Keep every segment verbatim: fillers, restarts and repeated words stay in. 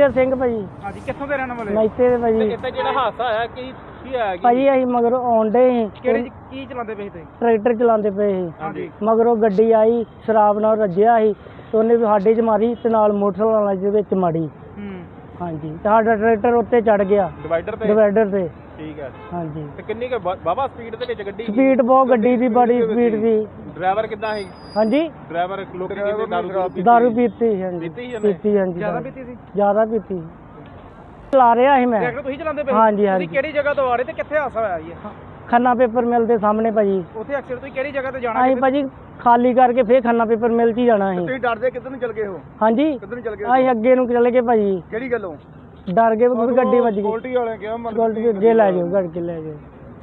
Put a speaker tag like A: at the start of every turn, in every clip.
A: ਗੁਰਜੀਤ ਸਿੰਘ ਭਾਜੀ।
B: ਹਾਂਜੀ, ਕਿੱਥੋਂ ਦੇ ਰਹਿਣ ਵਾਲੇ?
A: ਮੈਤੇ ਦੇ ਭਾਜੀ।
B: ਤੇ ਇੱਥੇ ਜਿਹੜਾ ਹਾਦਸਾ ਹੋਇਆ ਕੀ ਕੀ ਹੋਇਆ
A: ਭਾਜੀ? ਅਸੀਂ ਮਗਰੋਂ ਆਉਂਦੇ ਸੀ।
B: ਕਿਹੜੇ ਕੀ ਚਲਾਉਂਦੇ ਪਏ ਸੀ?
A: ਟਰੈਕਟਰ ਚਲਾਉਂਦੇ ਪਏ ਸੀ।
B: ਹਾਂਜੀ।
A: ਮਗਰੋਂ ਗੱਡੀ ਆਈ, ਸ਼ਰਾਬ ਨਾਲ ਰੱਜਿਆ ਸੀ ਤੇ ਉਹਨੇ ਵੀ ਸਾਡੇ 'ਚ ਮਾਰੀ ਤੇ ਨਾਲ ਮੋਟਰਸਾਈਕਲ ਵਾਲੇ ਦੇ ਵਿੱਚ ਮਾਰੀ।
B: ਹੂੰ।
A: ਹਾਂਜੀ, ਤੇ ਸਾਡਾ ਟਰੈਕਟਰ ਉੱਤੇ ਚੜ ਗਿਆ
B: ਡਿਵਾਈਡਰ ਤੇ।
A: ਡਿਵਾਈਡਰ ਤੇ।
B: ਠੀਕ ਹੈ।
A: ਹਾਂਜੀ।
B: ਤੇ ਕਿੰਨੀ ਕੁ ਬਾਬਾ ਸਪੀਡ ਦੇ ਵਿੱਚ ਗੱਡੀ?
A: ਸਪੀਡ ਬਹੁਤ ਗੱਡੀ ਦੀ, ਬੜੀ ਸਪੀਡ ਸੀ।
B: ਡਰਾਈਵਰ ਕਿੱਦਾਂ ਸੀ?
A: ਹਾਂਜੀ,
B: ਡਰਾਈਵਰ ਲੋਕੀ ਕਹਿੰਦੇ ਦਾਰੂ ਪੀਤੀ।
A: ਦਾਰੂ ਪੀਤੀ ਸੀ। ਹਾਂਜੀ,
B: ਪੀਤੀ ਸੀ ਉਹਨੇ?
A: ਪੀਤੀ। ਹਾਂਜੀ,
B: ਜ਼ਿਆਦਾ ਪੀਤੀ ਸੀ?
A: ਜ਼ਿਆਦਾ ਪੀਤੀ ਸੀ। ਚਲਾ ਰਿਹਾ ਸੀ ਮੈਂ।
B: ਟਰੈਕਟਰ ਤੁਸੀਂ ਚਲਾਉਂਦੇ ਪਏ?
A: ਹਾਂਜੀ ਹਾਂਜੀ।
B: ਤੁਸੀਂ ਕਿਹੜੀ ਜਗ੍ਹਾ ਤੋਂ ਆ ਰਹੇ ਤੇ ਕਿੱਥੇ ਹਾਦਸਾ ਹੋਇਆ ਜੀ?
A: ਖੰਨਾ ਪੇਪਰ ਮਿਲ ਦੇ ਸਾਹਮਣੇ ਭਾਜੀ।
B: ਉੱਥੇ ਐਕਸੀਡੈਂਟ ਤੁਸੀਂ ਕਿਹੜੀ ਜਗ੍ਹਾ ਤੇ ਜਾਣਾ?
A: ਅਸੀਂ ਭਾਜੀ ਖਾਲੀ ਕਰਕੇ ਫੇਰ ਖੰਨਾ ਪੇਪਰ ਮਿਲ 'ਚ ਹੀ ਜਾਣਾ ਸੀ।
B: ਤੁਸੀਂ ਡਰਦੇ ਕਿੱਧਰ ਨੂੰ ਚਲ ਗਏ ਹੋ?
A: ਹਾਂਜੀ,
B: ਕਿੱਧਰ ਨੂੰ ਚਲ ਗਏ?
A: ਅਸੀਂ ਅੱਗੇ ਨੂੰ ਚਲੇ ਗਏ ਭਾਜੀ।
B: ਕਿਹੜੀ ਗੱਲੋਂ?
A: ਡਰ ਗਏ ਵੀ ਗੱਡੀ ਵੱਜ ਗਈ।
B: ਗੋਲਟੀ ਵਾਲਿਆਂ ਕਿਹਾ
A: ਗੋਲਟੀ ਅੱਗੇ ਲੈ ਜਾਓ, ਗੱਡ ਕੇ ਲੈ ਜਾਓ।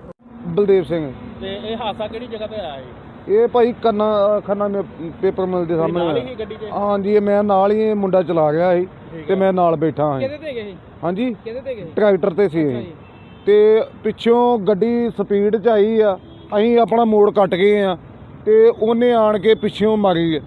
C: ਬਲਦੇਵ ਸਿੰਘ।
B: ਤੇ ਇਹ ਹਾਦਸਾ ਕਿਹੜੀ ਜਗ੍ਹਾ ਤੇ ਆਇਆ ਜੀ?
C: ਇਹ ਭਾਈ ਕੰਨਾ ਖੰਨਾ ਪੇਪਰ ਮਿਲ ਦੇ
B: ਨਾਲ
C: ਸਾਹਮਣੇ।
B: ਹੀ ਗੱਡੀ ਤੇ?
C: ਹਾਂਜੀ, ਇਹ ਮੈਂ ਨਾਲ ਹੀ, ਇਹ ਮੁੰਡਾ ਚਲਾ ਗਿਆ ਸੀ ਤੇ ਮੈਂ ਨਾਲ ਬੈਠਾ ਹਾਂ।
B: ਕਿਹਦੇ ਤੇ ਗਏ?
C: ਹਾਂਜੀ,
B: ਕਿਹਦੇ ਤੇ ਗਏ?
C: ਟਰੈਕਟਰ ਤੇ ਸੀ ਇਹ। ਤੇ ਪਿੱਛੋਂ ਗੱਡੀ ਸਪੀਡ 'ਚ ਆਈ ਆ, ਅਸੀਂ ਆਪਣਾ ਮੋੜ ਕੱਟ ਗਏ ਆ ਤੇ ਉਹਨੇ ਆਣ ਕੇ ਪਿੱਛੋਂ ਮਾਰੀ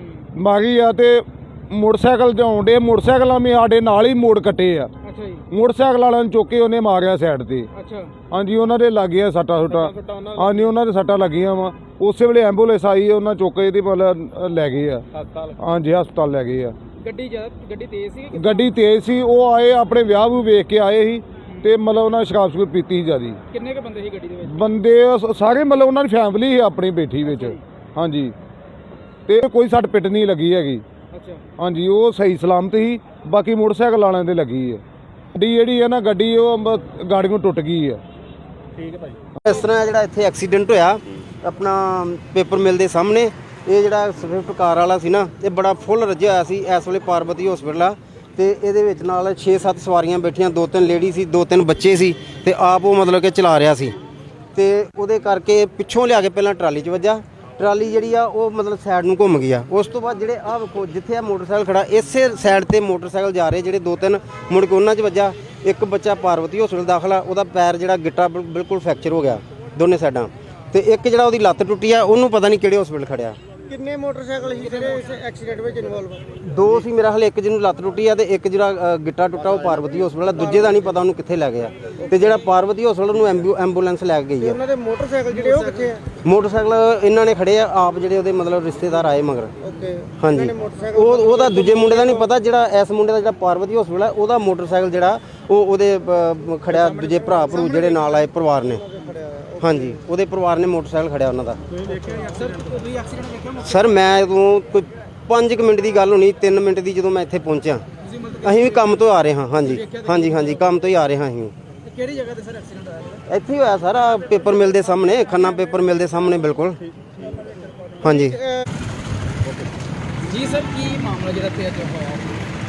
C: ਮਾਰੀ ਆ ਤੇ ਮੋਟਰਸਾਈਕਲ ਜਾਉਣ ਡੇ, ਮੋਟਰਸਾਈਕਲਾਂ ਵੀ ਸਾਡੇ ਨਾਲ ਹੀ ਮੋੜ ਕੱਟੇ ਆ।
B: ਅੱਛਾ ਜੀ।
C: ਮੋਟਰਸਾਈਕਲ ਵਾਲਿਆਂ ਨੂੰ ਚੁੱਕ ਕੇ ਉਹਨੇ ਮਾਰਿਆ ਸਾਈਡ ਤੇ।
B: ਅੱਛਾ।
C: ਹਾਂਜੀ, ਉਹਨਾਂ ਦੇ ਲੱਗ ਗਿਆ ਸੱਟਾਂ ਸੁੱਟਾਂ। ਹਾਂਜੀ, ਉਹਨਾਂ ਦੇ ਸੱਟਾਂ ਲੱਗੀਆਂ ਵਾ। ਉਸੇ ਵੇਲੇ ਐਂਬੂਲੈਂਸ ਆਈ, ਉਹਨਾਂ ਚੁੱਕ ਕੇ ਇਹਦੀ ਮਤਲਬ ਲੈ ਗਏ ਆ
B: ਹਸਪਤਾਲ।
C: ਹਾਂਜੀ, ਹਸਪਤਾਲ ਲੈ ਗਏ ਆ।
B: ਗੱਡੀ ਗੱਡੀ ਤੇਜ਼ ਸੀ?
C: ਗੱਡੀ ਤੇਜ਼ ਸੀ। ਉਹ ਆਏ ਆਪਣੇ ਵਿਆਹ ਨੂੰ ਵੇਖ ਕੇ ਆਏ ਸੀ ਤੇ ਮਤਲਬ ਉਹਨਾਂ ਸ਼ਰਾਬ ਸ਼ਰੂਬ ਪੀਤੀ ਸੀ ਜ਼ਿਆਦੀ।
B: ਕਿੰਨੇ ਕੁ ਬੰਦੇ ਸੀ ਗੱਡੀ ਦੇ ਵਿੱਚ?
C: ਬੰਦੇ ਸਾਰੇ ਮਤਲਬ ਉਹਨਾਂ ਦੀ ਫੈਮਿਲੀ ਸੀ ਆਪਣੀ ਬੈਠੀ ਵਿੱਚ। ਹਾਂਜੀ, ਤੇ ਕੋਈ ਸੱਟ ਪਿੱਟ ਨਹੀਂ ਲੱਗੀ ਹੈਗੀ।
B: ਅੱਛਾ।
C: ਹਾਂਜੀ, ਉਹ ਸਹੀ ਸਲਾਮਤ ਸੀ। ਬਾਕੀ ਮੋਟਰਸਾਈਕਲ ਵਾਲਿਆਂ ਦੇ ਲੱਗੀ ਹੈ। ਗੱਡੀ ਜਿਹੜੀ ਹੈ ਨਾ, ਗੱਡੀ ਉਹ ਗਾੜੀ ਨੂੰ ਟੁੱਟ ਗਈ ਹੈ।
B: ਠੀਕ ਹੈ ਭਾਈ।
D: ਇਸ ਤਰ੍ਹਾਂ ਜਿਹੜਾ ਇੱਥੇ ਐਕਸੀਡੈਂਟ ਹੋਇਆ ਆਪਣਾ ਪੇਪਰ ਮਿਲ ਦੇ ਸਾਹਮਣੇ, ਇਹ ਜਿਹੜਾ ਸਵਿਫਟ ਕਾਰ ਵਾਲਾ ਸੀ ਨਾ, ਇਹ ਬੜਾ ਫੁੱਲ ਰੱਜਿਆ ਹੋਇਆ ਸੀ। ਇਸ ਵੇਲੇ ਪਾਰਬਤੀ ਹਸਪੀਟਲ ਆ ਤੇ ਇਹਦੇ ਵਿੱਚ ਨਾਲ ਛੇ ਸੱਤ ਸਵਾਰੀਆਂ ਬੈਠੀਆਂ, ਦੋ ਤਿੰਨ ਲੇਡੀ ਸੀ, ਦੋ ਤਿੰਨ ਬੱਚੇ ਸੀ ਤੇ ਆਪ ਉਹ ਮਤਲਬ ਕਿ ਚਲਾ ਰਿਹਾ ਸੀ ਤੇ ਉਹਦੇ ਕਰਕੇ ਪਿੱਛੋਂ ਲਿਆ ਕੇ ਪਹਿਲਾਂ ਟਰਾਲੀ 'ਚ ਵੱਜਾ। ਟਰਾਲੀ ਜਿਹੜੀ ਆ ਉਹ ਮਤਲਬ ਸਾਈਡ ਨੂੰ ਘੁੰਮ ਗਈ ਆ। ਉਸ ਤੋਂ ਬਾਅਦ ਜਿਹੜੇ ਆਹ ਵੇਖੋ ਜਿੱਥੇ ਆ ਮੋਟਰਸਾਈਕਲ ਖੜਾ, ਇਸੇ ਸਾਈਡ ਤੇ ਮੋਟਰਸਾਈਕਲ ਜਾ ਰਹੇ ਜਿਹੜੇ ਦੋ ਤਿੰਨ, ਮੁੜ ਕੇ ਉਹਨਾਂ 'ਚ ਵੱਜਾ। ਇੱਕ ਬੱਚਾ ਪਾਰਵਤੀ ਹਸਪੀਟਲ ਦਾਖਲ ਆ, ਉਹਦਾ ਪੈਰ ਜਿਹੜਾ ਗਿੱਟਾ ਬਿਲਕੁਲ ਫ੍ਰੈਕਚਰ ਹੋ ਗਿਆ ਦੋਨੇ ਸਾਈਡਾਂ ਤੇ ਇੱਕ ਜਿਹੜਾ ਉਹਦੀ ਲੱਤ ਟੁੱਟੀ ਆ, ਉਹਨੂੰ ਪਤਾ ਨਹੀਂ ਕਿਹੜੇ ਹਸਪੀਟਲ ਖੜਿਆ।
B: ਕਿੰਨੇ ਮੋਟਰਸਾਈਕਲ ਸੀ ਜਿਹੜੇ ਇਸ ਐਕਸੀਡੈਂਟ ਵਿੱਚ ਇਨਵੋਲਵ?
D: ਦੋ ਸੀ ਮੇਰਾ ਹਾਲੇ, ਇੱਕ ਜਿਹਨੂੰ ਲੱਤ ਟੁੱਟੀ ਆ ਤੇ ਇੱਕ ਜਿਹੜਾ ਗਿੱਟਾ ਟੁੱਟਾ ਉਹ ਪਾਰਵਤੀ ਹਸਪੀਟਲ ਆ। ਦੂਜੇ ਦਾ ਨਹੀਂ ਪਤਾ ਉਹਨੂੰ ਕਿੱਥੇ ਲੈ ਗਿਆ ਤੇ ਜਿਹੜਾ ਪਾਰਵਤੀ ਹਸਪੀਟਲ ਨੂੰ ਐਂਬੂਲੈਂਸ ਲੈ ਕੇ ਗਈ ਆ।
B: ਉਹਨਾਂ ਦੇ ਮੋਟਰਸਾਈਕਲ ਜਿਹੜੇ ਉਹ ਕਿੱਥੇ ਆ?
D: ਮੋਟਰਸਾਈਕਲ ਇਹਨਾਂ ਨੇ ਖੜੇ ਆ ਆਪ, ਜਿਹੜੇ ਉਹਦੇ ਮਤਲਬ ਰਿਸ਼ਤੇਦਾਰ ਆਏ ਮਗਰ।
B: ਓਕੇ।
D: ਹਾਂਜੀ, ਉਹ ਉਹਦਾ ਦੂਜੇ ਮੁੰਡੇ ਦਾ ਨਹੀਂ ਪਤਾ। ਜਿਹੜਾ ਇਸ ਮੁੰਡੇ ਦਾ ਜਿਹੜਾ ਪਾਰਵਤੀ ਹਸਪੀਟਲ ਆ, ਉਹਦਾ ਮੋਟਰਸਾਈਕਲ ਜਿਹੜਾ ਉਹ ਉਹਦੇ ਖੜਿਆ, ਦੂਜੇ ਭਰਾ ਭਰੂ ਜਿਹੜੇ ਨਾਲ ਆਏ ਪਰਿਵਾਰ ਨੇ। ਹਾਂਜੀ, ਉਹਦੇ ਪਰਿਵਾਰ ਨੇ ਮੋਟਰਸਾਈਕਲ ਖੜਿਆ ਉਹਨਾਂ ਦਾ। ਸਰ ਮੈਂ ਉਦੋਂ ਕੋਈ ਪੰਜ ਕੁ ਮਿੰਟ ਦੀ ਗੱਲ ਹੋਣੀ, ਤਿੰਨ ਮਿੰਟ ਦੀ, ਜਦੋਂ ਮੈਂ ਇੱਥੇ ਪਹੁੰਚਿਆ। ਅਸੀਂ ਵੀ ਕੰਮ ਤੋਂ ਆ ਰਹੇ ਹਾਂ। ਹਾਂਜੀ ਹਾਂਜੀ ਹਾਂਜੀ, ਕੰਮ ਤੋਂ ਹੀ ਆ ਰਹੇ ਹਾਂ ਅਸੀਂ।
B: ਕਿਹੜੀ ਜਗ੍ਹਾ ਤੇ ਸਰ ਐਕਸੀਡੈਂਟ ਹੋਇਆ?
D: ਇੱਥੇ ਹੀ ਹੋਇਆ ਸਾਰਾ, ਪੇਪਰ ਮਿਲ ਦੇ ਸਾਹਮਣੇ, ਖੰਨਾ ਪੇਪਰ ਮਿਲ ਦੇ ਸਾਹਮਣੇ ਬਿਲਕੁਲ। ਹਾਂਜੀ
B: ਜੀ ਸਰ, ਕੀ ਮਾਮਲਾ ਜਿਹੜਾ ਇੱਥੇ ਅੱਜ ਹੋਇਆ?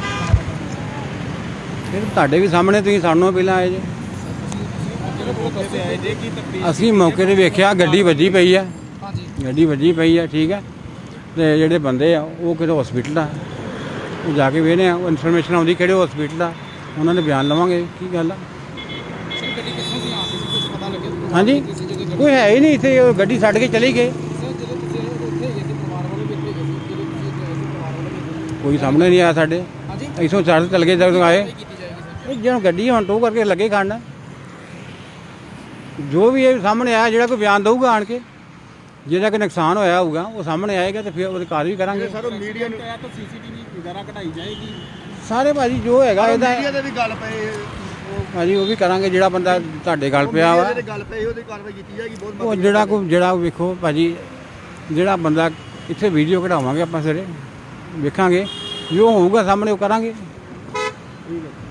E: ਫਿਰ ਤੁਹਾਡੇ ਵੀ ਸਾਹਮਣੇ, ਤੁਸੀਂ ਸਾਨੂੰ ਪਹਿਲਾਂ ਆਏ ਜੇ। ਅਸੀਂ ਮੌਕੇ ਤੇ ਵੇਖਿਆ ਗੱਡੀ ਵੱਜੀ ਪਈ ਆ। ਗੱਡੀ ਵੱਜੀ ਪਈ ਆ, ਠੀਕ ਹੈ। ਤੇ ਜਿਹੜੇ ਬੰਦੇ ਆ ਉਹ ਕਿਹੜੇ ਹਸਪੀਟਲ ਆ, ਉਹ ਜਾ ਕੇ ਵੇਖਦੇ ਆ। ਉਹ ਇਨਫੋਰਮੇਸ਼ਨ ਆਉਂਦੀ ਕਿਹੜੇ ਹਸਪੀਟਲ ਆ, ਉਹਨਾਂ ਦੇ ਬਿਆਨ ਲਵਾਂਗੇ ਕੀ ਗੱਲ ਆ। ਹਾਂਜੀ, ਕੋਈ ਹੈ ਹੀ ਨਹੀਂ ਇੱਥੇ, ਉਹ ਗੱਡੀ ਛੱਡ ਕੇ ਚਲੀ ਗਏ। ਕੋਈ ਸਾਹਮਣੇ ਨਹੀਂ ਆਇਆ ਸਾਡੇ। ਇੱਥੋਂ ਛੱਡ ਚਲ ਗਏ ਜਦੋਂ ਆਏ। ਜਦੋਂ ਗੱਡੀ ਹੁਣ ਟੋ ਕਰਕੇ ਲੱਗੇ ਖੜਨ, ਜੋ ਵੀ ਇਹ ਸਾਹਮਣੇ ਆਇਆ, ਜਿਹੜਾ ਕੋਈ ਬਿਆਨ ਦਊਗਾ ਆਣ ਕੇ, ਜਿਹੜਾ ਕਿ ਨੁਕਸਾਨ ਹੋਇਆ ਹੋਊਗਾ ਉਹ ਸਾਹਮਣੇ ਆਏਗਾ ਤੇ ਫਿਰ ਉਹਦੀ ਕਾਰਵਾਈ ਕਰਾਂਗੇ।
B: ਸਰ ਮੀਡੀਆ ਨੂੰ ਤਾਂ ਸੀਸੀਟੀਵੀ ਵਗੈਰਾ ਕਢਾਈ ਜਾਏਗੀ
E: ਸਾਰੇ ਭਾਜੀ ਜੋ ਹੈਗਾ ਇਹਦਾ
B: ਮੀਡੀਆ ਦੇ ਵੀ ਗੱਲ ਪਏ
E: ਭਾਜੀ, ਉਹ ਵੀ ਕਰਾਂਗੇ। ਜਿਹੜਾ ਬੰਦਾ ਤੁਹਾਡੇ ਗੱਲ ਪਿਆ ਵਾ,
B: ਗੱਲ ਪਈ ਉਹਦੀ ਕਾਰਵਾਈ ਕੀਤੀ ਜਾਏਗੀ। ਬਹੁਤ
E: ਉਹ ਜਿਹੜਾ ਕੋਈ ਜਿਹੜਾ ਵੇਖੋ ਭਾਜੀ, ਜਿਹੜਾ ਬੰਦਾ ਇੱਥੇ ਵੀਡੀਓ ਕਢਾਵਾਂਗੇ ਆਪਾਂ ਸਾਰੇ, ਵੇਖਾਂਗੇ ਜੋ ਹੋਊਗਾ ਸਾਹਮਣੇ ਉਹ ਕਰਾਂਗੇ।
B: ਠੀਕ ਹੈ।